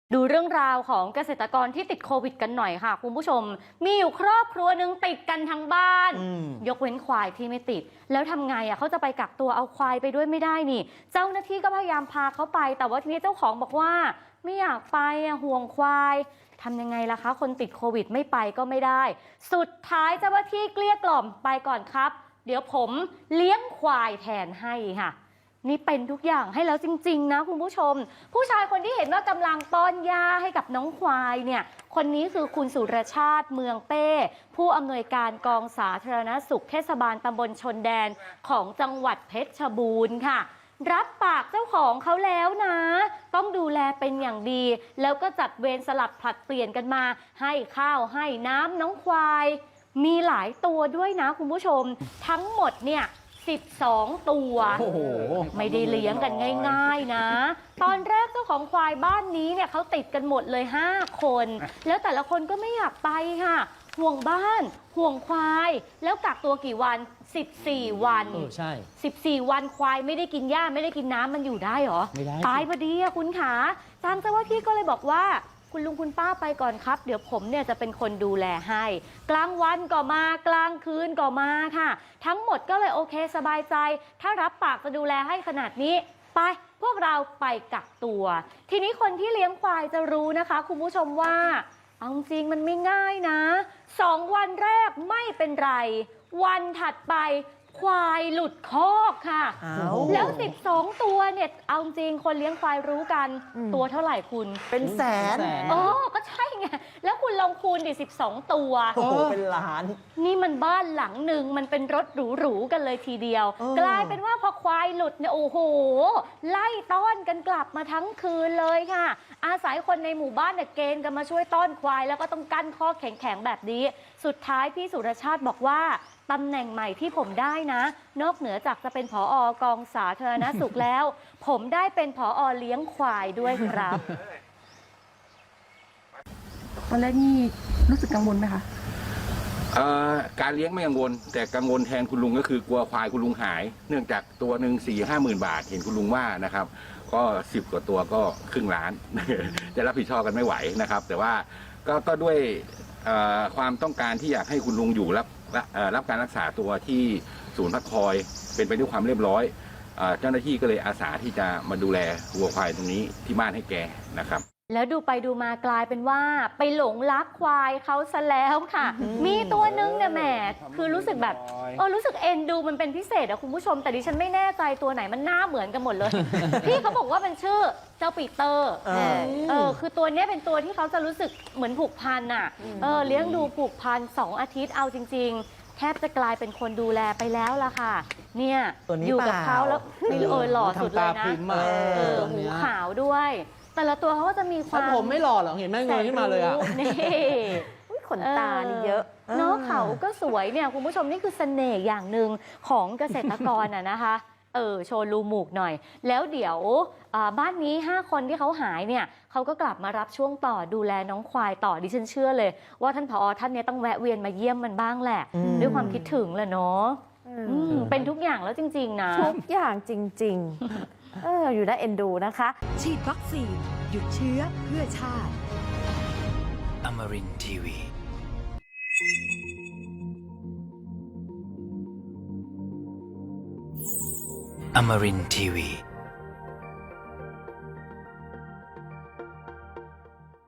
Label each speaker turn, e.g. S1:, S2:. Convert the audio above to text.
S1: ดูเรื่องราวของเกษตรกรที่ติดโควิดกันหน่อยค่ะคุณผู้ชมมีอยู่ครอบครัวหนึ่งติดกันทั้งบ้านยกเว้นควายที่ไม่ติดแล้วทำไงเขาจะไปกักตัวเอาควายไปด้วยไม่ได้นี่เจ้าหน้าที่ก็พยายามพาเขาไปแต่ว่าทีนี้เจ้าของบอกว่าไม่อยากไปห่วงควายทำยังไงล่ะคะคนติดโควิดไม่ไปก็ไม่ได้สุดท้ายเจ้าหน้าที่เกลี้ยกล่อมไปก่อนครับเดี๋ยวผมเลี้ยงควายแทนให้ค่ะนี่เป็นทุกอย่างให้แล้วจริงๆนะคุณผู้ชมผู้ชายคนที่เห็นว่ากำลังป้อนยาให้กับน้องควายเนี่ยคนนี้คือคุณสุรชาติเมืองเป้ผู้อำนวยการกองสาธารณสุขเทศบาลตำบลชนแดนของจังหวัดเพชรบูรณ์ค่ะรับปากเจ้าของเขาแล้วนะต้องดูแลเป็นอย่างดีแล้วก็จัดเวรสลับผลัดเปลี่ยนกันมาให้ข้าวให้น้ำน้องควายมีหลายตัวด้วยนะคุณผู้ชมทั้งหมดเนี่ย12 ตัวไม่ได้เลี้ยงกันง่ายๆนะตอนแรกเจ้าของควายบ้านนี้เนี่ยเขาติดกันหมดเลย5 คนแล้วแต่ละคนก็ไม่อยากไปค่ะห่วงบ้านห่วงควายแล้วกักตัวกี่วัน14 วัน
S2: ใช่
S1: 14 วันควายไม่ได้กินหญ้าไม่ได้กินน้ำมันอยู่ได้หรอ
S2: ไม่ได้
S1: ตายพอดีอะคุณขาทางเจ้าหน้าที่ก็เลยบอกว่าคุณลุงคุณป้าไปก่อนครับเดี๋ยวผมเนี่ยจะเป็นคนดูแลให้กลางวันก็มากลางคืนก็มาค่ะทั้งหมดก็เลยโอเคสบายใจถ้ารับปากจะดูแลให้ขนาดนี้ไปพวกเราไปกักตัวทีนี้คนที่เลี้ยงควายจะรู้นะคะคุณผู้ชมว่าเอาจริงมันไม่ง่ายนะ2 วันแรกไม่เป็นไรวันถัดไปควายหลุดคอกค่ะแล้ว12 ตัวเนี่ยเอาจริงคนเลี้ยงควายรู้กันตัวเท่าไหร่คุณ
S3: เป็นแสน
S1: ก็ใช่ไงแล้วคุณลองคูณดิ12 ตัว
S3: เป็นล้าน
S1: นี่มันบ้านหลังหนึ่งมันเป็นรถหรูๆกันเลยทีเดียวกลายเป็นว่าพอควายหลุดเนี่ยโอ้โหไล่ต้อนกันกลับมาทั้งคืนเลยค่ะอาศัยคนในหมู่บ้านเนี่ยเกณฑ์กันมาช่วยต้อนควายแล้วก็ต้องกั้นข้อแข็งๆแบบนี้สุดท้ายพี่สุรชาติบอกว่าตำแหน่งใหม่ที่ผมได้นะนอกเหนือจากจะเป็นผอกองสาธารณสุขแล้วผมได้เป็นผอเลี้ยงควายด้วยครับ
S4: ตอนแรกนี่รู้สึกกังวลไหมคะ
S5: การเลี้ยงไม่กังวลแต่กังวลแทนคุณลุงก็คือกลัวควายคุณลุงหายเนื่องจากตัวหนึ่ง4-5 หมื่นบาทเห็นคุณลุงว่านะครับก็10 กว่าตัวก็ครึ่งล้าน จะรับผิดชอบกันไม่ไหวนะครับแต่ว่าก็ด้วยความต้องการที่อยากให้คุณลุงอยู่รับการรักษาตัวที่ศูนย์พักคอยเป็นไปด้วยความเรียบร้อยเจ้าหน้าที่ก็เลยอาสาที่จะมาดูแลวัวควายตรงนี้ที่บ้านให้แกนะครับ
S1: แล้วดูไปดูมากลายเป็นว่าไปหลงรักควายเขาซะแล้วค่ะมีตัวนึงเนี่ยแหมคือรู้สึกแบบรู้สึกเอ็นดูมันเป็นพิเศษอะคุณผู้ชมแต่ดิฉันไม่แน่ใจตัวไหนมันหน้าเหมือนกันหมดเลย พี่เขาบอกว่าเป็นชื่อเจ้าปีเตอร์คือตัวนี้เป็นตัวที่เขาจะรู้สึกเหมือนผูกพันอะเลี้ยงดูผูกพัน2 อาทิตย์เอาจริงๆแทบจะกลายเป็นคนดูแลไปแล้วล่ะค่ะเนี่ยอยู่กับเขาแล้วหล่อสุดเลยนะหูขาวด้วยแต่ละตัวเขาก็จะมีความ
S2: ผมไม่หล่อหรอกเห็นแม่เงยขึ้นมาเลยอ่ะ
S1: นี่
S3: ขนตานี่เยอะ
S1: เนาะเขาก็สวยเนี่ยคุณผู้ชมนี่คือเสน่ห์อย่างหนึ่งของเกษตรกรนะคะโชว์รูหมูกหน่อยแล้วเดี๋ยวบ้านนี้5 คนที่เขาหายเนี่ยเขาก็กลับมารับช่วงต่อดูแลน้องควายต่อดิฉันเชื่อเลยว่าท่านผอท่านนี้ต้องแวะเวียนมาเยี่ยมมันบ้างแหละด้วยความคิดถึงแหละเนาะเป็นทุกอย่างแล้วจริงๆนะ
S3: ทุกอย่างจริงๆอยู่ได้เอ็นดูนะคะ
S6: ฉีดวัคซีนหยุดเชื้อเพื่อชาติ
S7: Amarin Tiwi Amarin Tiwi